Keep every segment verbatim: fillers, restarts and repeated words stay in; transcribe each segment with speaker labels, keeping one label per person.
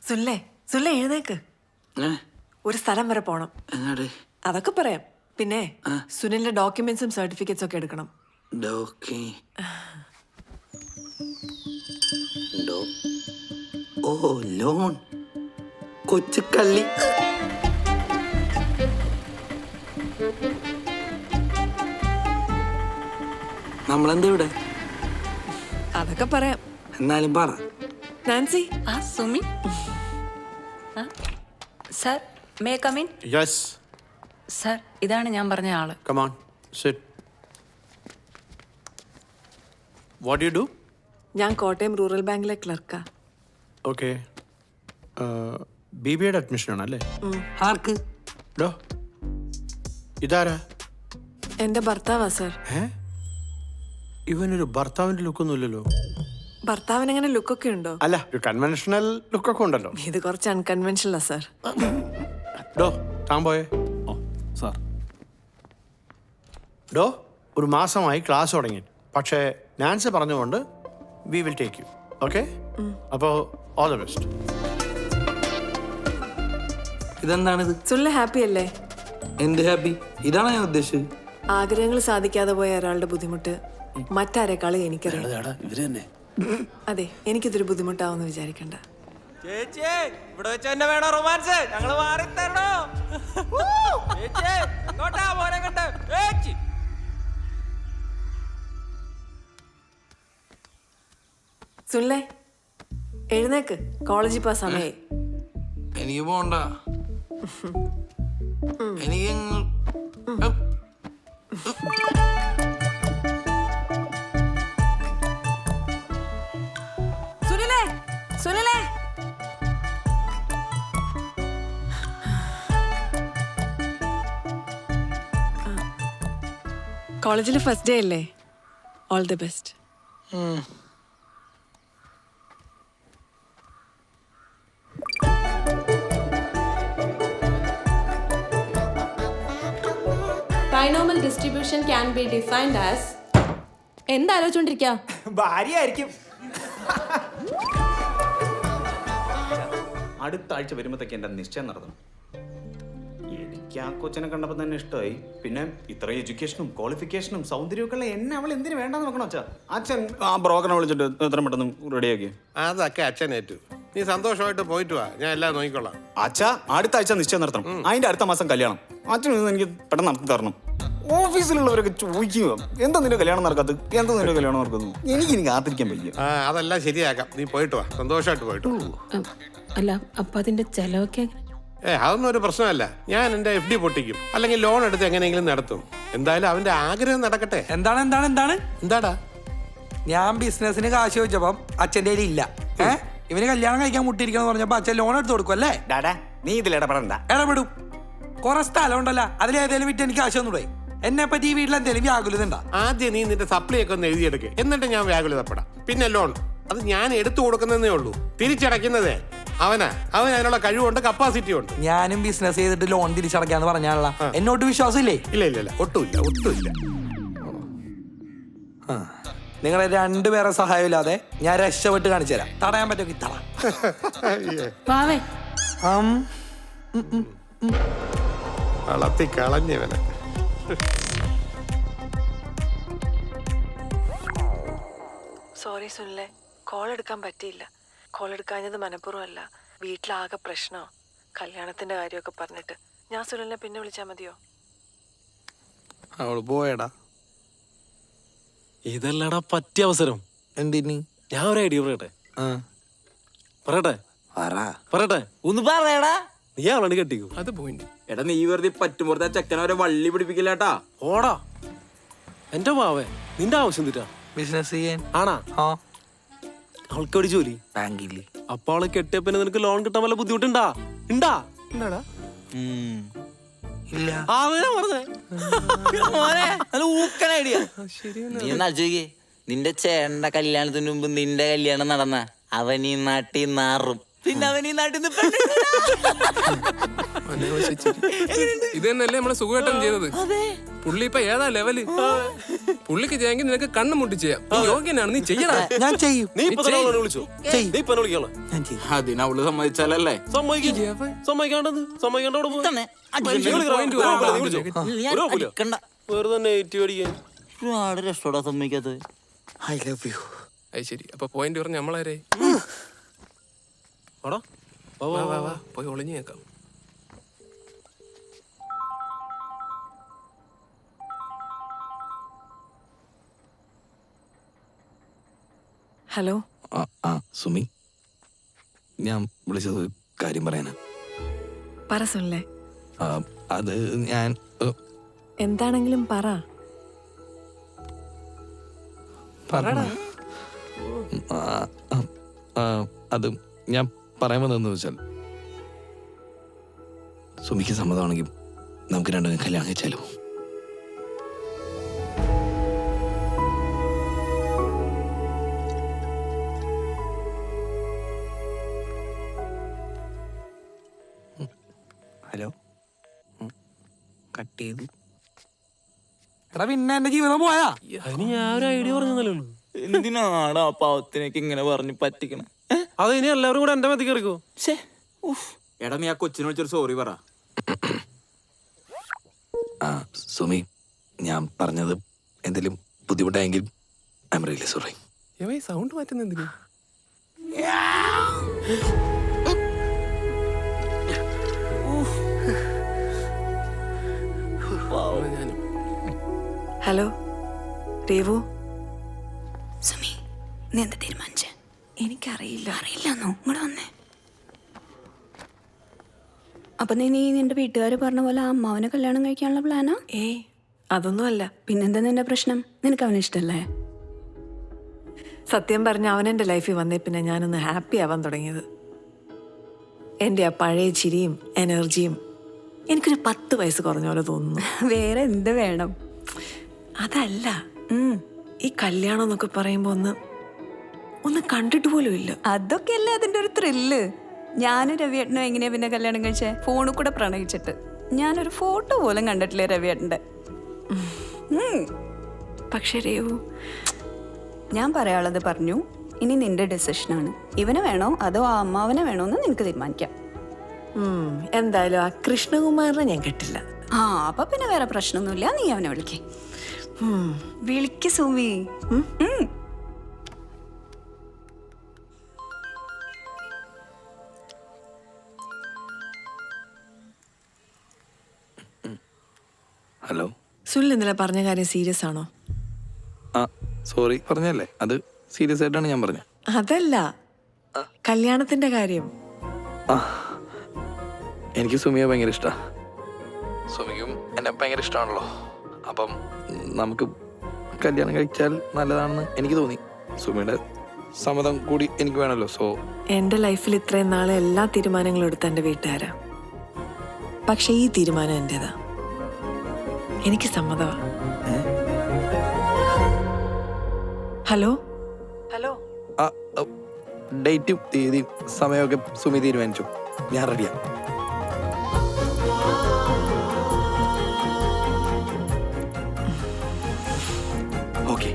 Speaker 1: സുല്ലേ സുല്ലേ എഴുന്നേക്ക്. ഒരു സ്ഥലം വരെ പോണം. അതൊക്കെ പറയാം. പിന്നെ സുനിലിന്റെ ഡോക്യുമെന്റ്സും സർട്ടിഫിക്കറ്റ്സും ഒക്കെ എടുക്കണം.
Speaker 2: ഓ ലോൺ കൊച്ചുകള്ളി. നമ്മളെന്താ ഇവിടെ?
Speaker 1: അതൊക്കെ പറയാം.
Speaker 2: എന്നാലും പറ.
Speaker 1: നാൻസി.
Speaker 3: ആ Sumi. Sir may come in?
Speaker 4: Yes
Speaker 3: sir ഇതാണ് ഞാൻ പറഞ്ഞ ആള്.
Speaker 4: Come on sit. What you do?
Speaker 1: ഞാൻ കോട്ടയം റൂറൽ ബാങ്കിലെ ക്ലർക്കാ.
Speaker 4: ഓക്കെ. ബി ബി എയുടെ അഡ്മിഷൻ ആണല്ലേ?
Speaker 2: ആർക്ക്?
Speaker 4: ഡോ ഇതാരാ?
Speaker 1: എന്റെ ഭർത്താവാ സർ.
Speaker 4: ഏ ഇവനൊരു ഭർത്താവിന്റെ ലുക്കൊന്നുമില്ലല്ലോ.
Speaker 1: ഭർത്താവിന് അങ്ങനെ ലുക്കൊക്കെ ഉണ്ടോ?
Speaker 4: അല്ല, ഒരു കൺവെൻഷണൽ ലുക്കൊക്കെ ഉണ്ടല്ലോ.
Speaker 1: ഇത് കുറച്ച് അൺകൺവെൻഷനലാ സർ.
Speaker 4: ഡോ താൻ പോയേ.
Speaker 5: ഓ സാർ.
Speaker 4: ഡോ ഒരു മാസമായി ക്ലാസ് തുടങ്ങി. പക്ഷേ നാൻസി പറഞ്ഞുകൊണ്ട് we will take you. Okay? അപ്പോൾ ഓൾ ദ ബെസ്റ്റ്.
Speaker 2: ഇതെന്താണിത്?
Speaker 1: സുനിൽ ഹാപ്പി അല്ലേ?
Speaker 2: എന്ത് ഹാപ്പി? ഇതാണ് ഞാൻ ഉദ്ദേശിച്ചത്.
Speaker 1: ആഗ്രഹങ്ങൾ സാധിക്കാതെ പോയ ഒരാളുടെ ബുദ്ധിമുട്ട് മറ്റാരെക്കാളും എനിക്കറിയാം.
Speaker 5: ഇവര് തന്നെ.
Speaker 1: അതെ, എനിക്കിതൊരു ബുദ്ധിമുട്ടാവെന്ന് വിചാരിക്കണ്ട.
Speaker 6: ചേച്ചി ഇവിടെ വെച്ച് തന്നെ വേണോ റൊമാൻസ്? ഞങ്ങള് മാറി തരണോ? ചേച്ചി എങ്ങോട്ടാ മോനെ കണ്ട്? ചേച്ചി
Speaker 1: സുനിലേ എഴുന്നേക്ക്, കോളേജിൽ പോ സമയായി.
Speaker 2: എനിക്ക് പോണ്ട. എനിക്ക്
Speaker 1: സുനിലേ സുനിലേ കോളേജിൽ ഫസ്റ്റ് ഡേ അല്ലേ? All the best.
Speaker 7: Binomial distribution can be defined as എന്താലോചിച്ചോണ്ടിരിക്കാ?
Speaker 6: ഭാര്യയായിരിക്കും.
Speaker 5: അടുത്ത ആഴ്ച വരുമ്പോഴത്തേക്ക് എൻ്റെ നിശ്ചയം നടത്തണം. എനിക്ക് ആ കൊച്ചിനെ കണ്ടപ്പോൾ തന്നെ ഇഷ്ടമായി. പിന്നെ ഇത്ര എഡ്യൂക്കേഷനും ക്വാളിഫിക്കേഷനും സൗന്ദര്യമൊക്കെ ഉള്ള എന്നെ അവൾ എന്തിനു വേണ്ടെന്ന് നോക്കണം അച്ഛാ. അച്ഛൻ ആ ബ്രോക്കറിനെ വിളിച്ചിട്ട് എത്ര പെട്ടെന്ന് റെഡിയാക്കി.
Speaker 8: അതൊക്കെ അച്ഛനേറ്റു. നീ സന്തോഷമായിട്ട് പോയിട്ട് വാ, ഞാൻ എല്ലാം നോക്കിക്കൊള്ളാം.
Speaker 5: അച്ഛാ അടുത്ത ആഴ്ച നിശ്ചയം നടത്തണം. അതിന്റെ അടുത്ത മാസം കല്യാണം. അച്ഛൻ എനിക്ക് പെട്ടെന്ന് നടത്തി തരണം. ഓഫീസിലുള്ളവരൊക്കെ ചോദിക്കുക എന്താ നിന്റെ കല്യാണം നടക്കാത്തത്, എന്താ നിന്റെ കല്യാണം നടക്കുന്നത്. എനിക്ക് എനിക്ക് കാത്തിരിക്കാൻ പറ്റില്ല.
Speaker 8: ആ അതെല്ലാം ശരിയാക്കാം. നീ പോയിട്ട് വാ, സന്തോഷമായിട്ട് പോയിട്ട്.
Speaker 7: അല്ല അപ്പൊ അതിന്റെ ചെലവൊക്കെ
Speaker 8: ഏ അതൊന്നും ഒരു പ്രശ്നമല്ല. ഞാൻ എൻ്റെ എഫ് ഡി പൊട്ടിക്കും, അല്ലെങ്കിൽ ലോൺ എടുത്ത് എങ്ങനെയെങ്കിലും നടത്തും. എന്തായാലും അവന്റെ ആഗ്രഹം നടക്കട്ടെ.
Speaker 9: എന്താണ് എന്താണ് എന്താണ്
Speaker 8: എന്താടാ?
Speaker 9: ഞാൻ ബിസിനസിന് കാശ് ചോദിച്ചപ്പം അച്ഛൻ്റെ കയ്യിൽ ഇല്ല. ഏഹ് ഇവന് കല്യാണം കഴിക്കാൻ മുട്ടിയിരിക്കണം പറഞ്ഞപ്പോ അച്ഛൻ ലോൺ എടുത്ത് കൊടുക്കും അല്ലേ?
Speaker 5: ഡാഡാ നീ ഇതിൽ ഇടപെടണ്ട.
Speaker 9: ഇടപെടും. കുറെ സ്ഥലം ഉണ്ടല്ലോ, അതിലേതെങ്കിലും വിറ്റ് എനിക്ക് കാശ് ഒന്നുകൂടെ. എന്നെ പറ്റി ഈ വീട്ടിൽ എന്തെങ്കിലും വ്യാകുലത ഉണ്ടാ?
Speaker 8: ആദ്യം നീ നിന്റെ സപ്ലൈ ഒക്കെ ഒന്ന് എഴുതിയെടുക്കുക, എന്നിട്ട് ഞാൻ വ്യാകുലതപ്പെടാം. പിന്നെ ലോൺ അത് ഞാൻ എടുത്തു കൊടുക്കുന്നതേ ഉള്ളൂ. തിരിച്ചടയ്ക്കുന്നതേ അവനാ. അവൻ അതിനുള്ള കഴിവുണ്ട്, കപ്പാസിറ്റി ഉണ്ട്.
Speaker 9: ഞാനും ബിസിനസ് ചെയ്തിട്ട് ലോൺ തിരിച്ചടക്കാന്ന് പറഞ്ഞാണല്ലോ. എന്നോട്ട് വിശ്വാസം ഇല്ലേ?
Speaker 8: ഇല്ല ഇല്ല ഇല്ല ഒട്ടുമില്ല ഒട്ടുമില്ല.
Speaker 9: നിങ്ങളെ രണ്ടുപേരെ സഹായം ഇല്ലാതെ ഞാൻ രക്ഷപ്പെട്ട് കാണിച്ചു തരാം. തടയാൻ പറ്റുമെങ്കിൽ തട.
Speaker 8: വളർത്തി കളഞ്ഞവനെ.
Speaker 1: സോറി സുനിലേ, കോൾ എടുക്കാൻ പറ്റിയില്ല. കോൾ എടുക്കാഞ്ഞത് മനഃപൂർവ്വമല്ല. വീട്ടിലാകെ പ്രശ്നമോ കല്യാണത്തിന്റെ കാര്യമൊക്കെ പറഞ്ഞിട്ട്. ഞാൻ സുനിലിനെ പിന്നെ വിളിച്ചാൽ മതിയോ?
Speaker 8: അവള് പോയടാ.
Speaker 6: ഇതല്ലടാ പറ്റിയ അവസരം.
Speaker 9: എന്തിന്?
Speaker 6: ഞാൻ ഒരു ഐഡിയ പറയട്ടെ. പറയട്ടെ പറയട്ടെ ഒന്ന് പറയടാ. നീ അവളാണ് കെട്ടിക്കോ. അത് പോയിന്റ്.
Speaker 2: എടാ നീ വെറുതെ പറ്റുമ്പോഴത്തെ ചെക്കനവരെ വള്ളി പിടിപ്പിക്കില്ലാട്ടാ.
Speaker 6: ഓടാ എന്റെ മാവേ, നിന്റെ ആവശ്യം തീറ്റാ
Speaker 9: ബിസിനസ് ചെയ്യാൻ
Speaker 6: ആണാ?
Speaker 9: ആ
Speaker 6: അവൾക്ക് ഒരു ജോലി
Speaker 9: ബാങ്കില്.
Speaker 6: അപ്പൊ അവളെ കെട്ടിയ പിന്നെ നിനക്ക് ലോൺ കിട്ടാൻ വല്ല ബുദ്ധിമുട്ടുണ്ടാ? ഉണ്ടാ ഉണ്ടാടാ?
Speaker 9: ഇല്ല.
Speaker 10: നിന്റെ ചേട്ടന്റെ കല്യാണത്തിന് മുമ്പ് നിന്റെ കല്യാണം നടന്ന അവൻ ഈ നാട്ടിൽ നാറും.
Speaker 6: പിന്നെ അവൻ ഈ നാട്ടിൽ നിന്ന്
Speaker 10: ഇത് തന്നെയല്ലേ നമ്മളെ സുഖമായിട്ടും ചെയ്തത്. പുള്ളി ഇപ്പൊ ഏതാ ലെവല്? പുള്ളിക്ക് ചെയ്യാമെങ്കിൽ നിനക്ക് കണ്ണു മുട്ടി ചെയ്യാം. നീ യോഗ്യനാണ്, നീ ചെയ്യടാ.
Speaker 9: ഞാൻ ചെയ്യും.
Speaker 6: നീ ഇപ്പൊ വിളിച്ചോ? നീ ഇപ്പൊ വിളിക്കാളോ?
Speaker 2: അതിന് അവള് സമ്മതിച്ചാലല്ലേ.
Speaker 6: സമ്മതിക്കാണ്ടത് സമ്മതിക്കാണ്ട് വെറുതെ നെറ്റ് അടിക്കാൻ രക്ഷോടാ സമ്മതിക്കാത്തത്.
Speaker 9: I love you.
Speaker 10: അത് ശരി. അപ്പൊ പോയിന്റ് പറഞ്ഞ നമ്മളാരേ? വാ വാ വാ പോയി ഒളിഞ്ഞു കേൾക്കാം.
Speaker 1: ഹലോ.
Speaker 2: ആ ആ സുമി, ഞാൻ വിളിച്ചത് കാര്യം പറയാനാ.
Speaker 1: പറ സുനിലെ.
Speaker 2: ആ, അത് ഞാൻ ഏ,
Speaker 1: എന്താണെങ്കിലും പറ.
Speaker 2: പറയണ. ആ, ആ, ആ, അത് ഞാൻ പറയാൻ വന്നതെന്ന് വെച്ചാൽ സുമിക്ക് സമ്മതമാണെങ്കിൽ നമുക്ക് രണ്ടും കല്യാണം കഴിച്ചാലോ?
Speaker 9: ഹലോ. കട്ട് ചെയ്തു. എടാ പിന്നെ എന്റെ ജീവിതം പോയാ?
Speaker 6: അതിന് ഞാൻ ഒരു ഐഡിയ പറഞ്ഞതല്ലേ ഉള്ളൂ.
Speaker 11: എന്തിനാണ് ആ പാവത്തിനേക്ക് ഇങ്ങനെ പറഞ്ഞ് പറ്റിക്കണം?
Speaker 6: അത് ഇനി എല്ലാവരും കൂടെ എന്റെ മതി കയറിക്കോ.
Speaker 2: എടാ നീ ആ കൊച്ചിനെ വിളിച്ചൊരു സോറി പറ. ആ സുമി, ഞാൻ പറഞ്ഞത് എന്തെങ്കിലും ബുദ്ധിമുട്ടായെങ്കിൽ I'm really sorry.
Speaker 10: Sound മാറ്റുന്ന എന്തിനാ?
Speaker 1: ഹലോ രേവു.
Speaker 3: സുമി, നീ എന്താ തീരുമാനിച്ചേ?
Speaker 1: എനിക്കറിയില്ല.
Speaker 3: അറിയില്ലെന്നോ? ഇങ്ങോട്ട് വന്നേ. അപ്പൊ നീ നീ നിന്റെ വീട്ടുകാർ പറഞ്ഞ പോലെ ആ അമ്മാവനെ കല്യാണം കഴിക്കാനുള്ള പ്ലാനാ?
Speaker 1: ഏയ് അതൊന്നുമല്ല.
Speaker 3: പിന്നെന്താ നിന്റെ പ്രശ്നം? നിനക്ക് അവനെ ഇഷ്ടല്ലേ?
Speaker 1: സത്യം പറഞ്ഞ അവനെൻ്റെ ലൈഫിൽ വന്നേ പിന്നെ ഞാനൊന്ന് ഹാപ്പി ആവാൻ തുടങ്ങിയത്. എൻ്റെ ആ പഴയ ചിരിയും എനർജിയും എനിക്കൊരു പത്ത് വയസ്സ് കുറഞ്ഞ പോലെ തോന്നുന്നു.
Speaker 3: വേറെ എന്ത് വേണം?
Speaker 1: അതല്ല, ഈ കല്യാണം എന്നൊക്കെ പറയുമ്പോൾ ഒന്ന് ഒന്ന് കണ്ടിട്ട് പോലും ഇല്ല.
Speaker 3: അതൊക്കെ അല്ലേ അതിന്റെ ഒരു ത്രില്ല്. ഞാനും രവിയേട്ടനും എങ്ങനെയാ പിന്നെ കല്യാണം കഴിച്ചേ? ഫോണിൽ കൂടെ പ്രണയിച്ചിട്ട്. ഞാനൊരു ഫോട്ടോ പോലും കണ്ടിട്ടില്ലേ രവിയേട്ടൻ്റെ.
Speaker 1: പക്ഷേ രേവു,
Speaker 3: ഞാൻ പറയാനുള്ളത് പറഞ്ഞു. ഇനി നിന്റെ ഡെസിഷനാണ്. ഇവനെ വേണോ അതോ ആ അമ്മാവനെ വേണോ എന്ന് നിനക്ക് തീരുമാനിക്കാം.
Speaker 1: എന്തായാലും ആ കൃഷ്ണകുമാറിനെ ഞാൻ കെട്ടില്ല.
Speaker 3: ആ അപ്പൊ പിന്നെ വേറെ പ്രശ്നമൊന്നുമില്ല. നീ അവനെ വിളിക്കേ. വിളിക്ക് സുമി.
Speaker 2: ഹലോ.
Speaker 1: സുനിൽ ഇന്നലെ പറഞ്ഞ കാര്യം സീരിയസ് ആണോ?
Speaker 2: ആ സോറി പറഞ്ഞല്ലേ, അത് സീരിയസ് ആയിട്ടാണ് ഞാൻ പറഞ്ഞത്.
Speaker 1: അതല്ല, കല്യാണത്തിന്റെ കാര്യം.
Speaker 2: ആ എനിക്ക് സുമിയെ ഭയങ്കര ഇഷ്ടമാണ്. സുമിക്കും എന്നെ ഭയങ്കര ഇഷ്ടമാണല്ലോ. അപ്പം നമുക്ക് കല്യാണം കഴിച്ചാൽ നല്ലതാണെന്ന് എനിക്ക് തോന്നി. സുമിയുടെ സമ്മതം കൂടി എനിക്ക് വേണമല്ലോ. സോ
Speaker 1: എൻ്റെ ലൈഫിൽ ഇത്രയും നാളെ എല്ലാ തീരുമാനങ്ങളും എടുത്ത എൻ്റെ വീട്ടുകാരാ. പക്ഷെ ഈ തീരുമാനം എൻ്റെതാ. എനിക്ക് സമ്മതമാ. Hello hello.
Speaker 2: ആ ഡേറ്റും തീയതിയും സമയമൊക്കെ സുമി തീരുമാനിച്ചു. ഞാൻ റെഡിയാ. ഓക്കെ.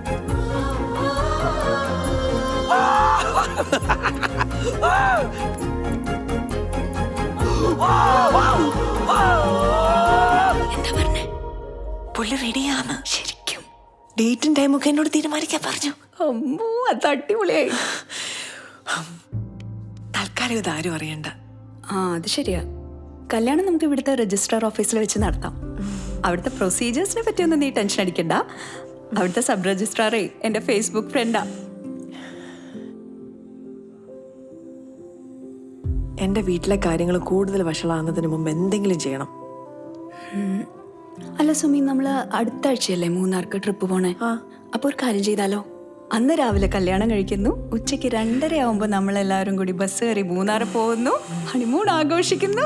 Speaker 1: എന്താ പറഞ്ഞേ? പുള്ളി റെഡിയാന്ന്. ശരിക്കും ഡേറ്റും ടൈമൊക്കെ എന്നോട് തീരുമാനിക്കാൻ പറഞ്ഞു.
Speaker 3: അമ്മോ, അത് അടിപൊളിയായി.
Speaker 1: തൽക്കാലം ഇതാരും അറിയണ്ട.
Speaker 3: ആ അത് ശരിയാ. കല്യാണം നമുക്ക് ഇവിടുത്തെ രജിസ്ട്രാർ ഓഫീസിൽ വെച്ച് നടത്താം. അവിടുത്തെ പ്രൊസീജിയേഴ്സിനെ പറ്റിയൊന്നും നീ ടെൻഷൻ അടിക്കണ്ട. അവിടുത്തെ സബ് രജിസ്ട്രാറേ എൻ്റെ ഫേസ്ബുക്ക് ഫ്രണ്ടാ.
Speaker 1: എൻ്റെ വീട്ടിലെ കാര്യങ്ങൾ കൂടുതൽ വഷളാകുന്നതിന് മുമ്പ് എന്തെങ്കിലും ചെയ്യണം.
Speaker 3: അല്ല സുമി, നമ്മൾ അടുത്ത ആഴ്ചയല്ലേ മൂന്നാർക്ക് ട്രിപ്പ് പോണേ? അപ്പോൾ ഒരു കാര്യം ചെയ്താലോ? അന്ന് രാവിലെ കല്യാണം കഴിക്കുന്നു, ഉച്ചയ്ക്ക് രണ്ടര ആവുമ്പോൾ നമ്മളെല്ലാവരും കൂടി ബസ് കയറി മൂന്നാർ പോകുന്നു, ഹണിമൂൺ ആഘോഷിക്കുന്നു.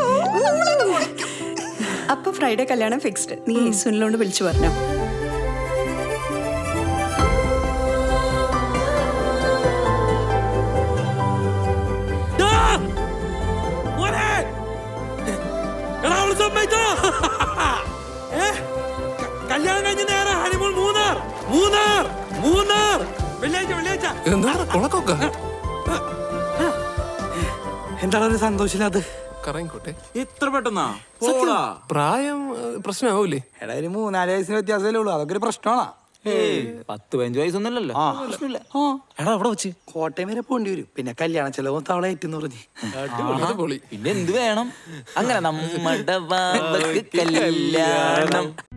Speaker 3: അപ്പൊ ഫ്രൈഡേ കല്യാണം ഫിക്സ്ഡ്. നീ സുനിലോണ്ട് വിളിച്ചു പറഞ്ഞോ.
Speaker 9: മോനെ എടാ അവള് സമ്മതിച്ചോ ഏ ക- കല്യാണം കഴിഞ്ഞ നേരെ ഹണിമൂൺ മൂന്നാർ മൂന്നാർ മൂന്നാർ വെള്ളിയാഴ്ച വെള്ളിയാഴ്ച
Speaker 10: എന്താണ് കൊളക്കൊക്കെ
Speaker 9: എന്താണ് ഒരു സന്തോഷമില്ലാത്ത
Speaker 10: കറങ്ങിക്കോട്ടെ.
Speaker 11: ഇത്ര പെട്ടെന്നാ പോടാ.
Speaker 10: പ്രായം ഏഹ്, പ്രശ്നമാവൂലേ?
Speaker 9: എടാ ഒരു മൂന്നാല് വയസ്സിന് വ്യത്യാസമല്ലേ ഉള്ളൂ അതൊക്കെ ഒരു പ്രശ്നമാണോ
Speaker 11: ഏയ് പത്ത് പതിനഞ്ച് വയസ്സൊന്നുമല്ലല്ലോ. പ്രശ്നമില്ല. എടാ അവിടെ വെച്ച്
Speaker 9: കോട്ടയം വരെ പോണ്ടി വരും പിന്നെ കല്യാണ ചെലവും തവള ഏറ്റെന്ന് പറഞ്ഞ്
Speaker 10: അടിപൊളി.
Speaker 11: പിന്നെ എന്ത് വേണം അങ്ങനെ നമ്മുടെ ബാബക്ക് കല്യാണം